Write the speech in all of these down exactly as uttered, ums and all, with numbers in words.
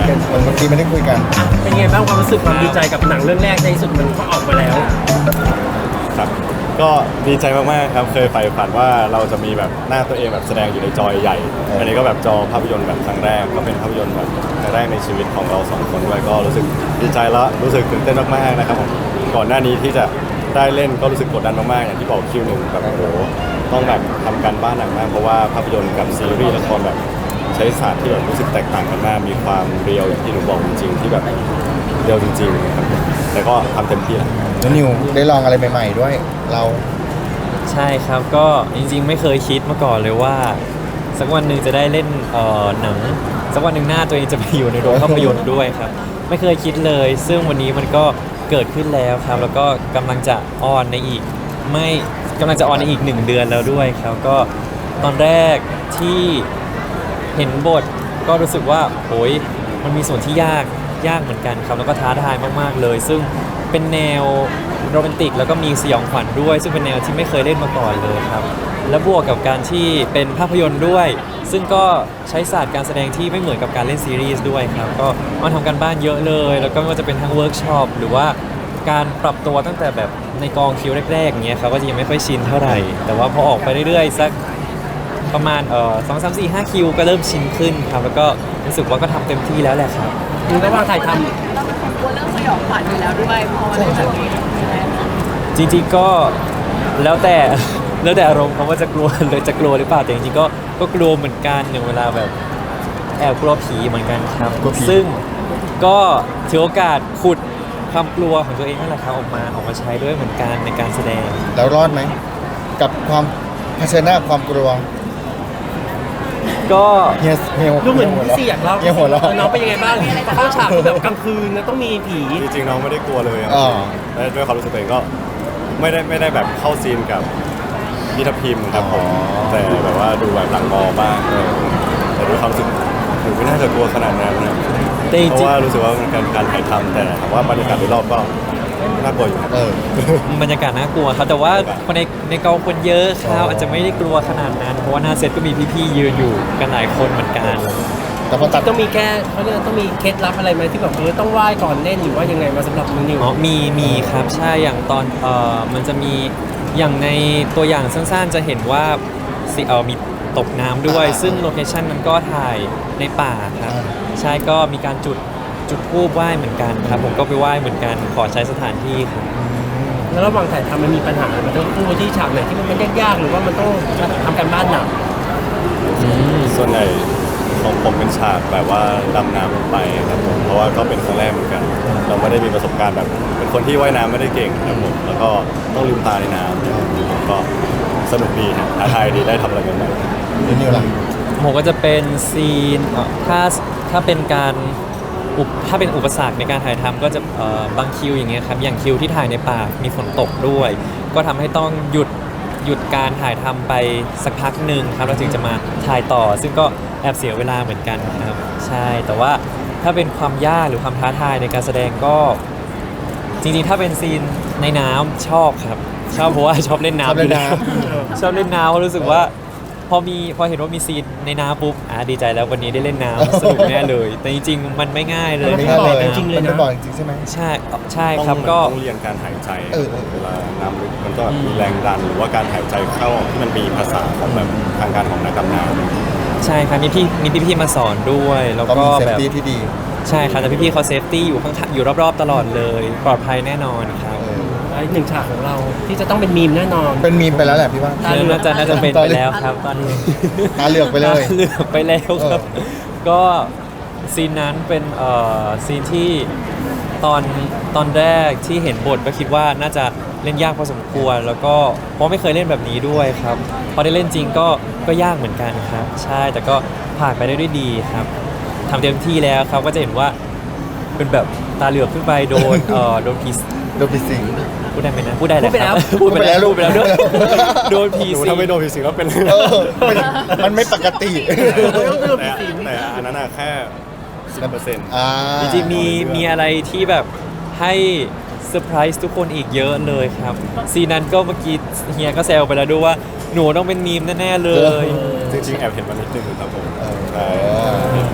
กันเมื่อกี้ไม่ได้คุยกันเป็นไงบ้างความรู้สึกความดีใจกับหนังเรื่องแรกในที่สุดมันก็ออกมาแล้วครับก็ดีใจมากๆครับเคยใฝ่ฝันว่าเราจะมีแบบหน้าตัวเองแบบแสดงอยู่ในจอใหญ่อันนี้ก็แบบจอภาพยนตร์แบบครั้งแรกก็เป็นภาพยนตร์แบบครั้งแรกในชีวิตของเราสองคนด้วยก็รู้สึกดีใจแล้วรู้สึกตื่นเต้นมากๆนะครับผมก่อนหน้านี้ที่จะได้เล่นก็รู้สึกกดดันมากๆอย่างที่บอกคิวหนึ่งแบบโอ้โหต้องแบบทำการบ้านหนักมากเพราะว่าภาพยนตร์กับซีรีส์ละครแบบใช้ศาสตร์ที่แบบรู้สึกแตกต่างกันมากมีความเรียวอย่างที่หนูบอกจริงๆที่แบบเรียวจริงๆครับแต่ก็ทำเต็มที่แล้วนิวได้ลองอะไรใหม่ๆด้วยเราใช่ครับก็จริงๆไม่เคยคิดมาก่อนเลยว่าสักวันหนึ่งจะได้เล่นเอ่อหนังสักวันหนึ่งหน้าตัวเองจะไปอยู่ในโรงภาพยนตร์ด้วยครับไม่เคยคิดเลยซึ่งวันนี้มันก็เกิดขึ้นแล้วครับแล้วก็กำลังจะออนในอีกไม่กำลังจะออนในอีกหนึ่งเดือนแล้วด้วยครับก็ตอนแรกที่เห็นบทก็รู้สึกว่าโอ้ยมันมีส่วนที่ยากยากเหมือนกันครับแล้วก็ท้าทายมากๆเลยซึ่งเป็นแนวโรแมนติกแล้วก็มีสยองขวัญด้วยซึ่งเป็นแนวที่ไม่เคยเล่นมาก่อนเลยครับและบวกกับการที่เป็นภาพยนตร์ด้วยซึ่งก็ใช้ศาสตร์การแสดงที่ไม่เหมือนกับการเล่นซีรีส์ด้วยครับก็มาทำกันบ้านเยอะเลยแล้วก็ไม่ว่าจะเป็นทั้งเวิร์กช็อปหรือว่าการปรับตัวตั้งแต่แบบในกองคิวแรกๆอย่างเงี้ยครับก็จะยังไม่ค่อยชินเท่าไหร่แต่ว่าพอออกไปเรื่อยๆสักประมาณเอ่อสองสามสี่ห้าคิวก็เริ่มชินขึ้นครับแล้วก็รู้สึกว่าก็ทำเต็มที่แล้วแหละครับระหว่างถ่ายทำเราเป็นคนกลัวเรื่องสยองขวัญอยู่แล้วด้วยพอมาเล่นแบบนี้จริงๆก็แล้วแต่แล้วแต่อารมณ์เขาว่าจะกลัวหรือจะกลัวหรือเปล่าแต่จริงๆก็ก็กลัวเหมือนกันอย่างเวลาแบบแอบกลัวผีเหมือนกันครับซึ่งก็ถือโอกาสขุดความกลัวของตัวเองนั่นแหละครับออกมาออกมาใช้ด้วยเหมือนกันในการแสดงแล้วรอดไหมกับความเผชิญหน้าความกลัวก็เฮียเฮียดูเหมือนพี่สี่อยากเล่าเฮียหัวเราะน้องเป็นยังไงบ้างเข้าฉากแบบกลางคืนแล้วต้องมีผีจริงๆน้องไม่ได้กลัวเลยแต่ด้วยความรู้สึกตัวเองก็ไม่ได้ไม่ได้แบบเข้าซีนกับพี่ทัพพิมครับผมแต่แบบว่าดูแบบหลังมอบ้างแต่ด้วยความรู้สึกหนูไม่น่าจะกลัวขนาดนั้นนะเพราะว่ารู้สึกว่ามันเป็นการถ่ายทำแต่ถามว่าบรรยากาศโดยรอบก็น่ากลัวอยู่บรรยากาศน่ากลัวครับแต่ว่าคนในในกองคนเยอะครับอาจจะไม่ได้กลัวขนาดนั้นเพราะว่าหน้าเซตก็มีพี่ๆยืนอยู่กันหลายคนเหมือนกันแต่พอตัดต้องมีแค่เขาเรียกต้องมีเคล็ดลับอะไรไหมที่แบบเออต้องไหว้ก่อนเล่นหรือว่ายังไงมาสำหรับมือนิวอ๋อมีมีครับใช่อย่างตอนเอ่อมันจะมีอย่างในตัวอย่างสั้นๆจะเห็นว่าสิเออมีตกน้ำด้วยซึ่งโลเคชั่นมันก็ถ่ายในป่าครับใช่ก็มีการจุดจุดธูปไหว้เหมือนกันครับผมก็ไปไหว้เหมือนกันขอใช้สถานที่ครับแล้วระหว่างถ่ายทำมันมีปัญหามันต้องพูดที่ฉากไหนที่มันยากๆหรือว่ามันต้องทำการบ้านหนักส่วนใหญ่ของผมเป็นฉากแบบว่าดำน้ำลงไปครับผมเพราะว่าก็เป็นครั้งแรกเหมือนกันเราไม่ได้มีประสบการณ์แบบเป็นคนที่ว่ายน้ำไม่ได้เก่งครับผมแล้วก็ต้องลืมตาในน้ำก็สนุกดีฮะท้าทายดีได้ทำอะไรใหม่ๆนิวล่ะผมก็จะเป็นซีนถ้าถ้าเป็นการถ้าเป็นอุปสรรคในการถ่ายทำก็จะบางคิวอย่างเงี้ยครับอย่างคิวที่ถ่ายในป่ามีฝนตกด้วยก็ทำให้ต้องหยุดหยุดการถ่ายทำไปสักพักหนึ่งครับเราจึงจะมาถ่ายต่อซึ่งก็แอบเสียเวลาเหมือนกันครับใช่แต่ว่าถ้าเป็นความยากหรือความท้าทายในการแสดงก็จริงๆถ้าเป็นซีนในน้ำชอบครับชอบเพราะว่าชอบเล่นน้ำอยู่แล้วชอบเล่นน้ำรู้สึกว่าพอมีพอเห็นว่ามีซีนในน้ำปุ๊บอ่าดีใจแล้ววันนี้ได้เล่นน้ำสนุกแน่เลยแต่จริงๆมันไม่ง่ายเลยไม่ง่ายเลยจริงเลยนะมันไม่บ่อยจริงใช่ไหมใช่ใช่ครับก็ต้องเรียนการหายใจเวลาน้ำลึกมันก็มีแรงดันหรือว่าการหายใจเข้าที่มันมีภาษาของแบบทางการของนักดำน้ำใช่ครับมีพี่มีพี่ๆมาสอนด้วยแล้วก็แบบที่ดีใช่ครับแต่พี่ๆเขาเซฟตี้อยู่ข้างอยู่รอบๆตลอดเลยปลอดภัยแน่นอนครับอีกหนึ่งฉากของเราที่จะต้องเป็นมีมแน่นอนเป็นมีมไปแล้วแหละพี่ว่าน่าจะน่าจะเป็นไปแล้วครับตอนนี้ตาเหลือกไปเลยเหลือกไปแล้วครับก็ซีนนั้นเป็นเอ่อซีนที่ตอนตอนแรกที่เห็นบทก็คิดว่าน่าจะเล่นยากพอสมควรแล้วก็เพราะไม่เคยเล่นแบบนี้ด้วยครับพอได้เล่นจริงก็ก็ยากเหมือนกันครับใช่แต่ก็ผ่านไปได้ด้วยดีครับทำเต็มที่แล้วครับก็จะเห็นว่าเป็นแบบตาเหลือกขึ้นไปโดนเอ่อโดนผีโดนผีสิงพูดได้ไหมนะพูดได้แหละครับพูดไปแล้วพูดไปแล้วด้วยโดนผีสิงถ้าไม่โดนผีสิงก็เป็นมันไม่ปกติแต่อันนั้นแค่สิบเปอร์เซ็นต์จริงๆมีมีอะไรที่แบบให้เซอร์ไพรส์ทุกคนอีกเยอะเลยครับซีนั้นก็เมื่อกี้เฮียก็แซวไปแล้วด้วยว่าหนูต้องเป็นมีมแน่ๆเลยจริงๆแอบเห็นมันนิดนึงครับผมใช่พ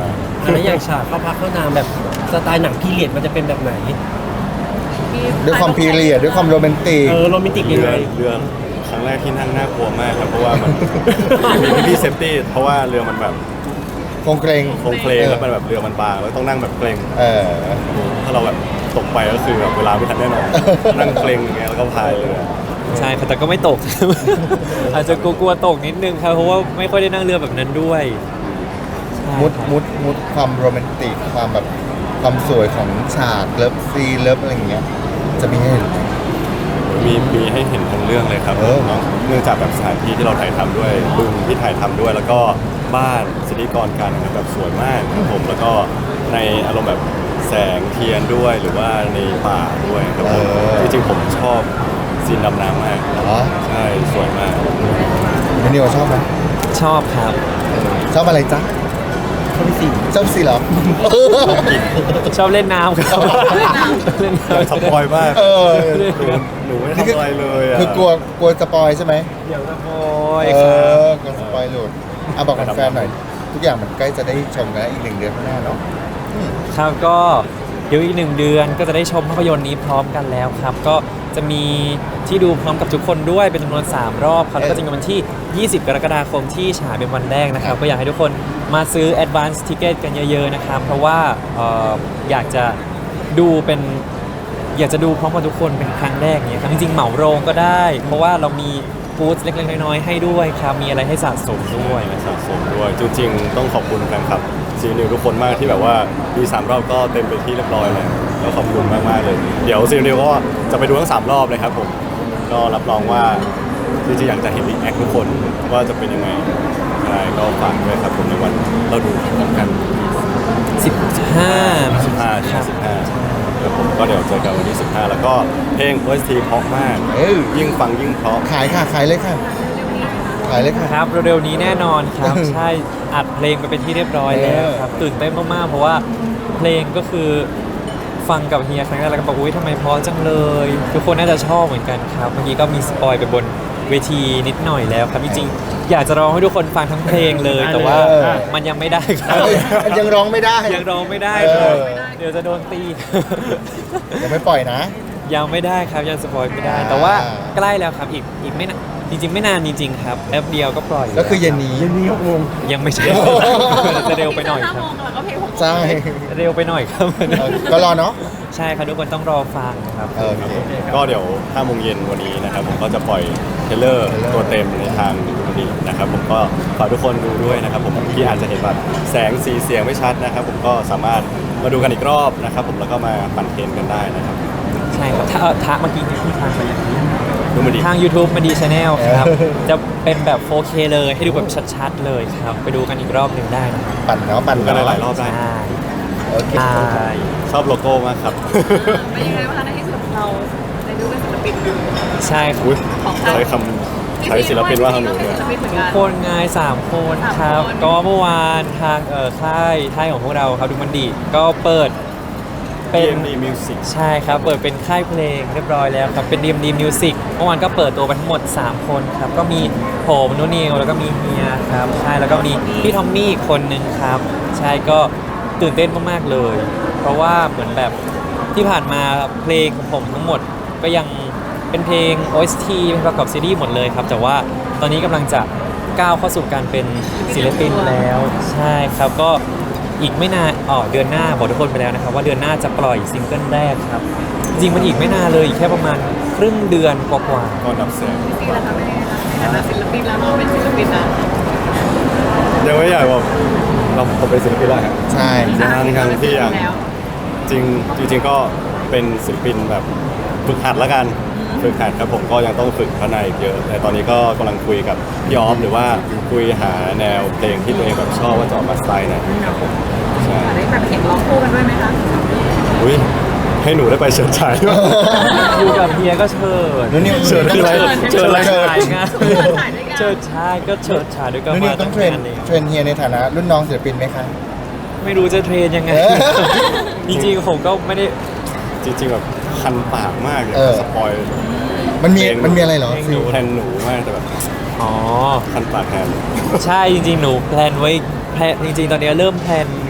แล้วอย่างฉากเข้าพักเข้านามแบบสไตล์หนังพีเรียดมันจะเป็นแบบไหนด้วยความพีเรียดด้วยความโรแมนติกเออโรแมนติกยังเรืไงอเรือครั้งแรกที่นั่งน่ากลัวมากครับเพราะว่ามัน มีพี่เซฟตี้เพราะว่าเรือมันแบบคงเกรงโครงเคลงแล้วมันแบบเรือมันบางแล้วต้องนั่งแบบเกรงเออถ้าเราแบบตกไปก็คือแบบเวลาไม่ทันแน่นอน นั่งเกรงอย่างเงี้ยแล้วก็พายเรือใช่ครับแต่ก็ไม่ตก อาจจะกลัวๆตกนิดนึงครับเพราะว่าไม่ค่อยได้นั่งเรือแบบนั้นด้วยใช่มุดครับมุดมุดความโรแมนติกความแบบความสวยของฉากเลิฟซีนเลิฟอะไรอย่างเงี้ยจะมีให้เห็นไหมมีมีให้เห็นทั้งเรื่องเลยครับเออเนาะเนื่องจากแบบสถานที่ที่เราถ่ายทำด้วยบึงที่ถ่ายทำด้วย แล้วก็บ้านสิริกรกันแบบสวยมากครับผมแล้วก็ในอารมณ์แบบแสงเทียนด้วย หรือว่าในป่าด้วยครับผมจริงๆผมชอบซีนดำน้ำมากเหรอใช่สวยมากมินิวชอบไหมชอบครับชอบอะไรจ๊ะข้อที่สี่ชอบสีเหรอชอบเล่นน้ำครับเล่นน้ำสปอยมากเออหนูหนูไม่ได้ทำอะไรเลยอ่ะคือกลัวกลัวสปอยใช่ไหมเดี๋ยวจะโอยเอครับอกลัวสปอยหลุดอ่ะบอกกับแฟนหน่อย ทุกอย่างมันใกล้จะได้ชมกันแล้วอีกหนึ่งเดือนข้างหน้าเนาะครับก็เดี๋ยวอีกหนึ่งเดือนก็จะได้ชมภาพยนตร์นี้พร้อมกันแล้วครับ ก็จะมีที่ดูพร้อมกับทุกคนด้วยเป็นจำนวนสามรอบครับแล้วก็จะมีวันที่ ยี่สิบ กรกฎาคมที่ฉายเป็นวันแรกนะครับก็อยากให้ทุกคนมาซื้อ Advance Ticket กันเยอะๆนะครับเพราะว่าเอ่ออยากจะดูเป็นอยากจะดูพร้อมกับทุกคนเป็นครั้งแรกเนี่ยครับจริงๆเหมาโรงก็ได้ เพราะว่าเรามีฟู้ดเล็กๆน้อยๆให้ด้วยครับมีอะไรให้สะสมด้วยสะสมด้วยจริงๆต้องขอบคุณแฟนคลับซีนิวทุกคนมากที่แบบว่ามีสามรอบก็เต็มไปที่เรียบร้อยเลยก็ขอบคุณมากๆเลย เดี๋ยวซีนิวก็จะไปดูทั้งสามรอบเลยครับผมก็รับรองว่าจริงๆอยากจะเห็นรีแอคทุกคนว่าจะเป็นยังไงใช่ก็ฝากด้วยครับผมในวันเราดูพร้อมกันสิบห้าสิบห้าครับสิบห้าครับผมก็เดี๋ยวเจอกันวันที่สิบห้าแล้วก็เพลง โอ เอส ที เพราะมากเออยิ่งฟังยิ่งเพราะขายค่ะ ขายเลยค่ะ ขายเลยค่ะครับเร็วๆนี้แน่นอนครับ ใช่อัดเพลงไปเป็นที่เรียบร้อยแล้วครับตื่นเต้นมากๆเพราะว่าเพลงก็คือฟังกับเฮียครั้งแรกแล้วก็บอกอุ้ยทำไมเพราะจังเลย ทุกคนน่าจะชอบเหมือนกันครับเมื่อกี้ก็มีสปอยไปบนเวทีนิดหน่อยแล้วครับจริงๆอยากจะร้องให้ทุกคนฟังทั้งเพลงเลย แต่ว่าเออมันยังไม่ได้ครับเอ้ยมันยังร้องไม่ได้ยังร้องไม่ได้ครับเออเดี๋ยวจะโดนตียังไม่ปล่อยนะยังไม่ได้ครับยังสปอยไม่ได้อ่าแต่ว่าใกล้แล้วครับอีกอีกไม่นานจริง ๆ ไม่นานจริง ๆ ครับแป๊บเดียวก็ปล่อยก็คือเย็นนี้เย็นนี้หกโมงยังไม่ใช่ จะเร็วไปหน่อยห้าครัโมบงแล้วก็เพลงหกโมงใช่เร็วไปหน่อยครับเออก็รอเนาะใช่ครับทุกคนต้องรอฟังครับเออโอเคก็เดี๋ยวห้าโมงเย็นวันนี้นะครับผมก็จะปล่อยเทรลเลอร์เทรลเลอร์ตัวเต็มในทางดูดีนะครับผมก็ฝากทุกคนดูด้วยนะครับผมที่อาจจะเห็นแบบแสงสีเสียงไม่ชัดนะครับผมก็สามารถมาดูกันอีกรอบนะครับผมแล้วก็มาปั่นเทรนกันได้นะครับใช่ครับถ้าเอ่อทักเมื่อกี้ที่ทางไปอย่างนี้ดูมาดีทาง YouTube มาดีชาแนลครับเออจะเป็นแบบ โฟร์เค เลยให้ดูแบบชัดๆเลยครับ ไปดูกันอีกรอบหนึ่งได้นะครับปั่นเนาะปั่นดูกันเนาะหลายๆรอบได้ใช่โอเคใช่ชอบโลโก้มากครับเป็นยังไงบ้างคะในที่สุดเราได้ดูเป็นศิลปินใช่ครับอุ๊ยของใช้คำใช้ศิลปินว่าทางหนูเป็เนี่ยศิลปินเหมือนกันคนงายสามคนสามครับคนก็เมื่อวานทางเอ่อค่ายค่ายของพวกเราครับดูมันดีก็เปิดเป็นเอ็ม ดี Music ใช่ครับ เปิดเป็นค่ายเพลงเรียบร้อยแล้วครับ เป็น ดี เอ็ม ดี Music เมื่อวานก็เปิดตัวไปทั้งหมด สาม คนครับ ก็มีผมนุนิวแล้วก็มีเฮียครับ ใช่ แล้วก็มีพี่ทอมมี่อีกคนนึงครับ ใช่ ก็ตื่นเต้นมากๆเลย เพราะว่าเหมือนแบบที่ผ่านมาเพลงของผมทั้งหมดก็ยังเป็นเพลง โอ เอส ที เป็นประกอบซีรีส์หมดเลยครับ แต่ว่าตอนนี้กำลังจะก้าวเข้าสู่การเป็นศิลปินแล้ว ใช่ครับ ก็อีกไม่นานอ๋อเดือนหน้าบอกทุกคนไปแล้วนะครับว่าเดือนหน้าจะปล่อยซิงเกิลแรกครับ จริงๆมันอีกไม่นานเลยอีกแค่ประมาณครึ่งเดือนกว่าก็ดับแสงจริงๆแล้วค่ะแม่แต่ละศิลปินแล้วเราเป็นศิลปินนะยังไม่อยากบอกเราผมเป็นศิลปินแล้วครับใช่ยังยังที่ยังแล้วจริงจริงๆก็เป็นศิลปินแบบฝึกหัดแล้วกันฝึกหัดครับผมก็ยังต้องฝึกพัฒนาอีกเยอะแต่ตอนนี้ก็กำลังคุยกับพี่ออฟหรือว่าคุยหาแนวเพลงที่ตัวเองแบบชอบว่าจะออกมาสไตล์ไหนครับผมใช่ได้แบบเห็นร้องคู่กันด้วยไหมคะอุ้ยให้หนูได้ไปเชิญชายด้วยๆอยู่กับเฮียก็เชิญนุนิวเชิญคืออะไรเชิญอะไรเชิญถ่ายงานเชิญถ่ายด้วยกันเชิญชายก็เชิญชายด้วยกันนุนิวมาต้องเทรนงานเลยเทรนเฮียในฐานะรุ่นน้องศิลปินไหมคะไม่รู้จะเทรนยังไงเออจริงๆผมก็ไม่ได้จริงๆแบบคันปากมากเลยเออสปอยมันมีมันมีอะไรเหรอเพลงฟิลแทนหนูมากแต่แบบอ๋อคันปากแทนใช่จริงๆ หนูแพลนไว้แพลนจริงๆ ตอนนี้เริ่มแพลนแพ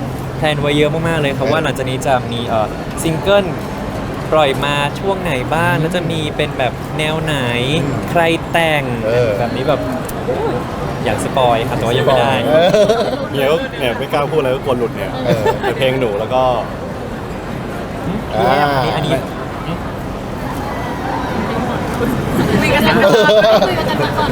ลนไว้เยอะมากๆเลยครับว่าหลังจากนี้จะมีเอ่อซิงเกิลปล่อยมาช่วงไหนบ้างแล้วจะมีเป็นแบบแนวไหนใครแต่งเออแบบนี้แบบอยากสปอยครับแต่ว่ายังไม่ได้เออเดี๋ยวเนี่ยไม่กล้าพูดอะไรก็กลัวหลุดเนี่ยเออแต่เพลงหนูแล้วก็อ่าอันนี้อันนี้คุยกันก่อนคุยกันก่อน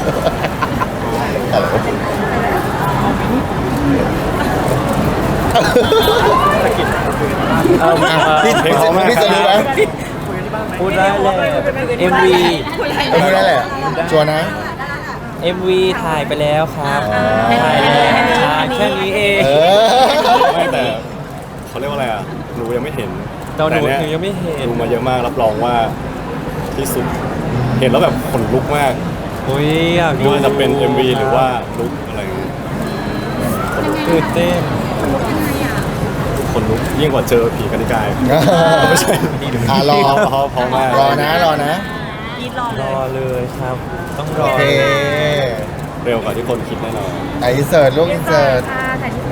เอ่ออ่ะเอ่อพี่พี่จะพี่จะรู้ไหมพูดได้เลย เอ็ม วีเออพูดได้แหละชัวร์นะเอ็ม วี ถ่ายไปแล้วครับอ๋อถ่ายแล้วถ่ายแค่นี้เองเออไม่แต่เขาเรียกว่าอะไรอ่ะหนูยังไม่เห็นตอนหนูแต่เยหนูยังไม่เห็นดูมาเยอะมากรับรองว่าที่สุดเห็นแล้วแบบขนลุกมากอุ้ยอยากไม่ดูว่าจะเป็น เอ็ม วี หรือว่าลุกอะไรอย่างเงี้ยตื่นเต้นขนลุกยิ่งกว่าเจอผีกันนิกายไม่ใช่อ่ะรอพอพอมากรอนะรอนะยีรอรเลอย เลยครับ ต้องรอโอเคเร็วกว่าที่คนคิดแน่นอนไอะอินเสิร์ตลูกอินเสิร์ตค่ะถ่ายที่